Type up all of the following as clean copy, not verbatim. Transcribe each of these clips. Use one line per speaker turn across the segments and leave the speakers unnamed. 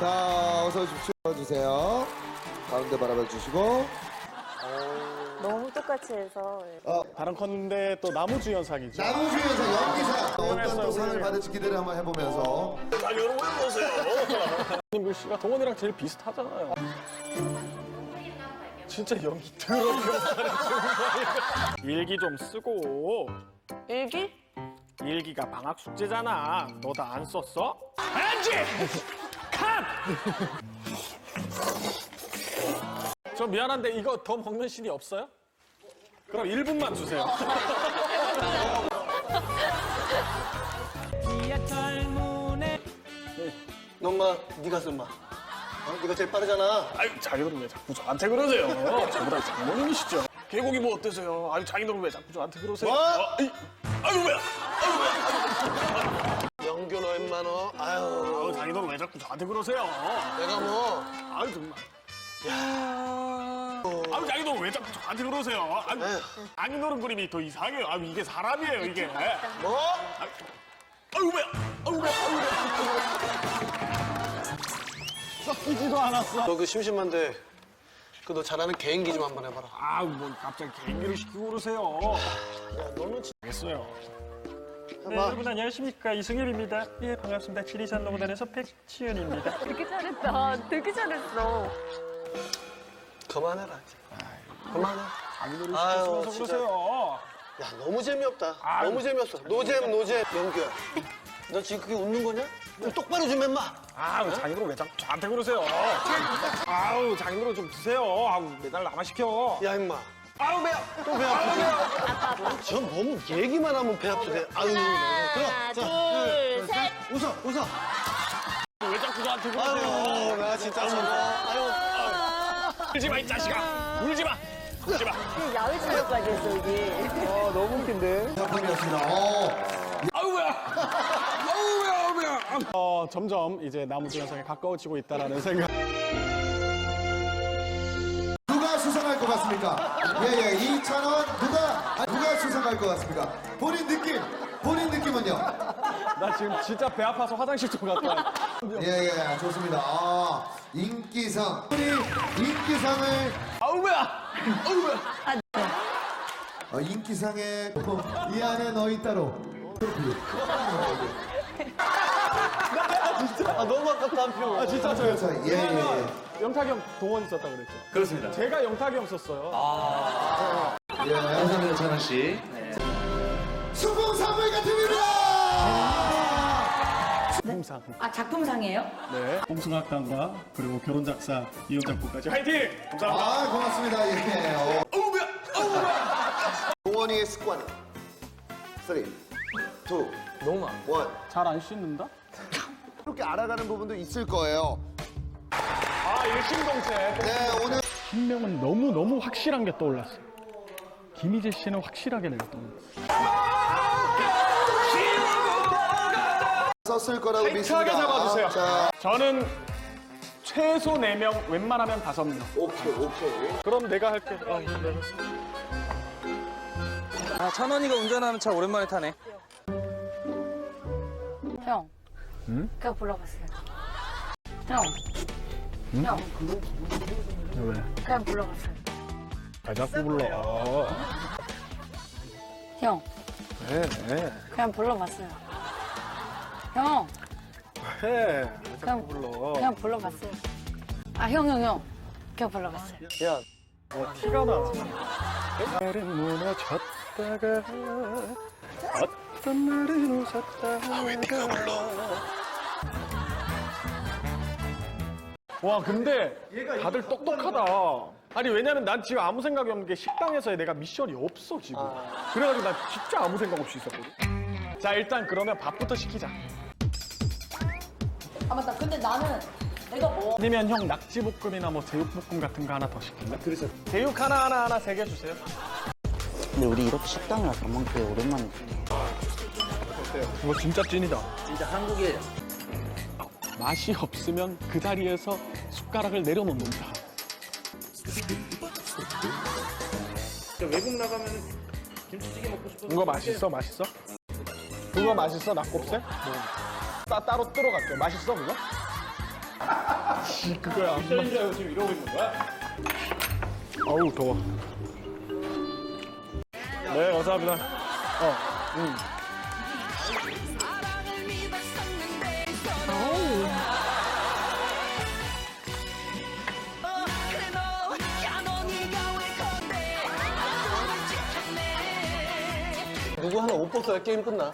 자, 어서 오십시오. 주세요. 가운데 바라봐 주시고.
너무 똑같이 해서.
다른 컨데 또 나무주연상이죠.
나무주연상 연기상 어떤 또 상을 받을지 기대를 한번 해보면서.
아, 여러분 보세요. 김구 씨가 동원이랑 제일 비슷하잖아요. 진짜 연기 더럽게 못하네 정말. 일기 좀 쓰고.
일기?
일기가 방학 숙제잖아. 너 다 안 썼어? 안지! 컷! 저 미안한데 이거 더 먹는 신이 없어요? 그럼 1분만 주세요.
엄마, 네가 써, 엄마. 네가 제일 빠르잖아.
아유, 자기들은 왜 자꾸 저한테 그러세요? 저보다 장모님이시죠. 계곡이 뭐 어때서요? 아유, 자기들은 왜 자꾸 저한테 그러세요?
뭐?
아유, 뭐야?
영규 너 임마 너. 아유,
아유, 자기들은 왜 자꾸 저한테 그러세요?
내가 뭐.
아유, 정말. 아유, 자기들은 왜 자꾸 저한테 그러세요? 아유, 장인어른 그림이 더 이상해요. 아유, 이게 사람이에요, 이게.
뭐?
아유, 뭐야? 아유, 뭐야? 아유, 뭐야? 섞이지도 않았어.
너 그 심심한데 그 너 잘하는 개인기 좀 한번 해봐라.
아유, 뭐 갑자기 개인기를 시키고 그러세요.
야, 너는 진짜.
알겠어요.
네, 여러분 안녕하십니까, 이승엽입니다. 예, 반갑습니다. 지리산 농구단에서 백치현입니다.
되게 잘했다. 되게 잘했어.
그만해라. 이제. 그만해.
장인어른
아유,
시키면서
진짜.
그러세요.
야, 너무 재미없다.
아유.
너무 재미없어. 노잼. 영규야. 너 지금 그게 웃는 거냐? 좀 똑바로 좀 해마.
아우, 장인어른 왜 자꾸 저한테 그러세요? 아우, 장인어른 좀 드세요. 아우, 매달 나만 시켜.
야, 임마.
아우, 배야.
또 배 아프지? 저 너무 얘기만 하면 배 아프대. 아유,
하나, 둘, 셋.
웃어.
왜 자꾸 저한테 그러세요?
아유, 나 진짜 저거. 아유.
울지 마, 이 자식아. 울지 마. 울지 마.
야외 촬영까지 했어, 여기.
너무 웃긴데. 작품이었습니다.
아우, 뭐야. 점점 이제 나무주연상에 가까워지고 있다라는 생각.
누가 수상할 것 같습니까? 예, 2,000원 누가 수상할 것 같습니까? 본인 느낌은요?
나 지금 진짜 배 아파서 화장실 좀 갔다 와.
예, 좋습니다. 인기상. 우리 인기상을
아우, 뭐야.
인기상에 이 안에 너희 따로.
아, 너무 아깝다, 한 표.
아, 진짜 저요.
예.
영탁이 형 동원 있었다 그랬죠? 그렇습니다. 제가 영탁이 형 썼어요.
감사합니다, 전원 씨. 수봉 산부인과 팀입니다.
작품상.
아, 작품상이에요?
네.
홍승학단과 그리고 결혼작사 이혼작곡까지
화이팅! 감사합니다.
고맙습니다. 예. 동원이의 습관은 3, 2, 1.
잘 안 씻는다?
이렇게 알아가는 부분도 있을 거예요.
아, 일심동체.
네, 오늘
한 명은 너무 확실한 게 떠올랐어요. 김희재 씨는 확실하게 내가 떠올랐어요.
썼을 거라고
타이트하게
믿습니다.
잡아주세요.
자,
저는 최소 4명, 웬만하면 5명.
오케이.
그럼 내가 할게.
아, 찬원이가 운전하는 차 오랜만에 타네.
형. 그냥 불러봤어요. 형. 형.
왜?
그냥 불러봤어요.
아, 자꾸 불러.
형.
왜?
그냥 불러봤어요. 형.
왜?
그냥 그냥 불러봤어요. 아, 형. 그냥 불러봤어요.
야,
티가 나. 날은 무너졌다가 어떤 날은 웃었다가 왜 네가 불러? 와, 근데 다들 똑똑하다. 아니, 왜냐면 난 지금 아무 생각이 없는 게 식당에서의 내가 미션이 없어 지금. 그래가지고 난 진짜 아무 생각 없이 있었거든. 자, 일단 그러면 밥부터 시키자.
아, 맞다. 근데 나는 내가 뭐.
아니면 형 낙지볶음이나 뭐 제육볶음 같은 거 하나 더 시킬래? 그래서 제육 하나 3개 주세요.
근데 우리 이렇게 식당을 밥 먹는 게 오랜만이네.
이거 진짜 찐이다.
진짜 한국에
맛이 없으면 그 자리에서 숟가락을 내려놓는다.
외국 나가면 김치찌개 먹고 싶어서.
이거 맛있어? 그거 맛있어? 낙곱새? 따로 뜨러 갈게. 맛있어, 그거? 씨, 그거야. 미션인 줄 알고 지금 이러고 있는 거야? 어우, 더워. 네, 감사합니다.
누구 하나 옷 벗어야 게임 끝나.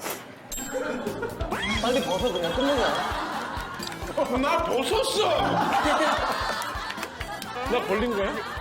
빨리 벗어 그냥 끝내자.
나 벗었어! 나 걸린 거야?